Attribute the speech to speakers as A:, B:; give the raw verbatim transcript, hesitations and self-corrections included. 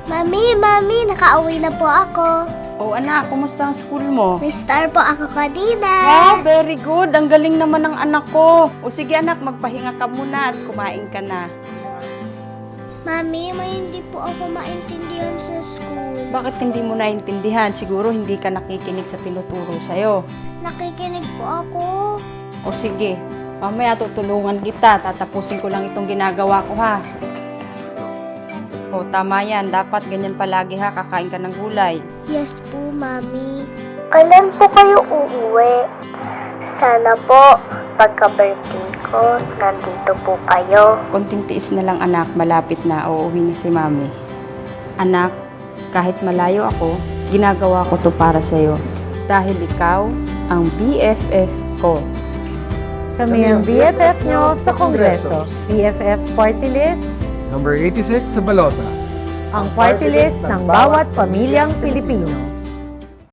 A: Mami, Mami, nakauwi na po ako.
B: Oh anak, kumusta ang school mo?
A: May star po ako kanina.
B: Ah, very good. Ang galing naman ng anak ko. O sige anak, magpahinga ka muna at kumain ka na.
A: Mami, may hindi po ako maintindihan sa school.
B: Bakit hindi mo naintindihan? Siguro hindi ka nakikinig sa tinuturo sa'yo.
A: Nakikinig po ako.
B: O sige, mamaya tutulungan kita. Tatapusin ko lang itong ginagawa ko ha. O tama yan. Dapat ganyan palagi ha. Kakain ka ng gulay.
A: Yes po, Mami. Kailan po kayo uuwi? Sana po, pagka-birthday ko, nandito po kayo.
B: Konting tiis na lang anak. Malapit na. Uuwi na si mami. Anak, kahit malayo ako, ginagawa ko to para sa'yo. Dahil ikaw ang B F F ko.
C: Kami ang B F F nyo sa Kongreso. B F F Party List,
D: Number eighty-six sa Balota.
C: ang party list ng bawat pamilyang Pilipino.